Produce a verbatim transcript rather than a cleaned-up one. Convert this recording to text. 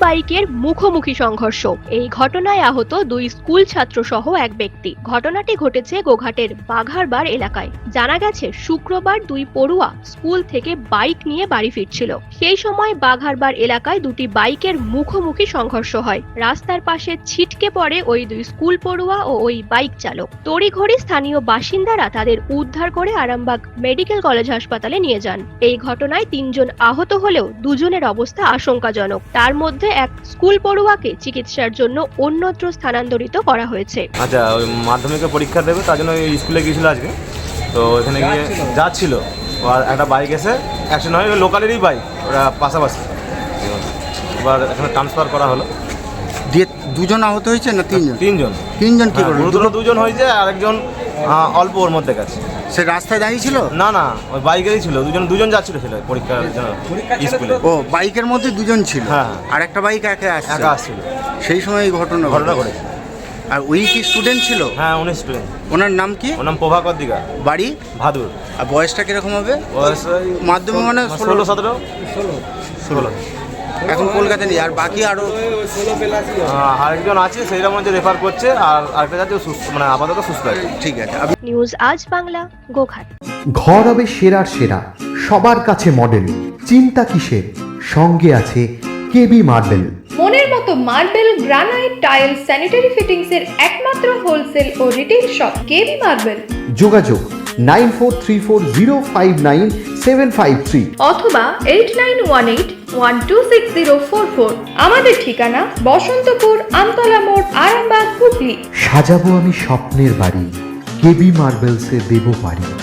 বাইকের মুখোমুখি সংঘর্ষ। এই ঘটনায় আহত দুই স্কুল ছাত্র সহ এক ব্যক্তি। ঘটনাটি ঘটেছে গোঘাটের বাঘারবাড় এলাকায়। জানা গেছে শুক্রবার দুই পড়ুয়া স্কুল থেকে বাইক নিয়ে বাড়ি ফিরছিল। সেই সময় বাঘারবাড় এলাকায় দুটি বাইকের মুখোমুখি সংঘর্ষ হয়। রাস্তার পাশে ছিটকে পড়ে ওই দুই স্কুল পড়ুয়া ও ওই বাইক চালক। তড়িঘড়ি স্থানীয় বাসিন্দারা তাদের উদ্ধার করে আরামবাগ মেডিকেল কলেজ হাসপাতালে নিয়ে যান। এই ঘটনায় তিনজন আহত হলেও দুজনের অবস্থা আশঙ্কাজনক। তার মধ্যে এক স্কুল পড়ুয়াকে চিকিৎসার জন্য অন্যত্র স্থানান্তরিত করা হয়েছে। আচ্ছা, ওই মাধ্যমিকের পরীক্ষা দেবে তার জন্য স্কুলে গিয়েছিল আজকে। তো এখানে গিয়ে যাচ্ছিল, আর একটা বাইক এসে অ্যাক্সিডেন্ট হয়, লোকালেরই বাইক, ওরা পাশাপাশি। এবার এখানে ট্রান্সফার করা হলো। দিয়ে দুজন আহত হয়েছে না তিনজন? তিনজন তিনজন কি করলো? গুরুতর দুজন হয়েছে, আর একজন অল্প ওর মধ্যে গেছে। সে রাস্তায় দাঁড়িয়ে ছিল? না না, ওই বাইকেরই ছিল। দুজন দুজন যাচ্ছিল ছিল পরীক্ষার জন্য স্কুলে। ও, বাইকের মধ্যে দুজন ছিল? হ্যাঁ। আর একটা বাইক একা আসছে? একা আসছিল। সেই সময় এই ঘটনা ঘটনা ঘটেছে। আর ওই কি স্টুডেন্ট ছিল? হ্যাঁ, উনি স্টুডেন্ট। ওনার নাম কি? ওর নাম প্রভাকর দিঘা, বাড়ি ভাদুর। আর বয়সটা কিরকম হবে? বয়স মাধ্যমিক মানে ষোলো সতেরো ষোলো ষোলো এখন কলকাতা নেই। আর বাকি আরো আরেকজন আছে, সেইটার মধ্যে রেফার করছে, আর আরেকটা যাচ্ছে সুস্থ, মানে আপাতত সুস্থ আছে। ঠিক আছে। নিউজ আজ বাংলা, গোঘাট। ঘর হবে সেরার সেরা, সবার কাছে মডেল। চিন্তা কিসের? সঙ্গে আছে কেবি মার্বেল। মনের মতো marble, granite, tile, sanitary fittings এর একমাত্র হোলসেল ও রিটেল শপ কেবি মার্বেল। যোগাযোগ nine four three four zero five nine seven five three অথবা eight nine one eight one two six zero four four. আমাদের ঠিকানা বসন্তপুর, আমতলা মোড়, আরামবাগ, হুগলি। সাজাবো আমি স্বপ্নের বাড়ি, কেবি মার্বেলসে দেবো বাড়ি।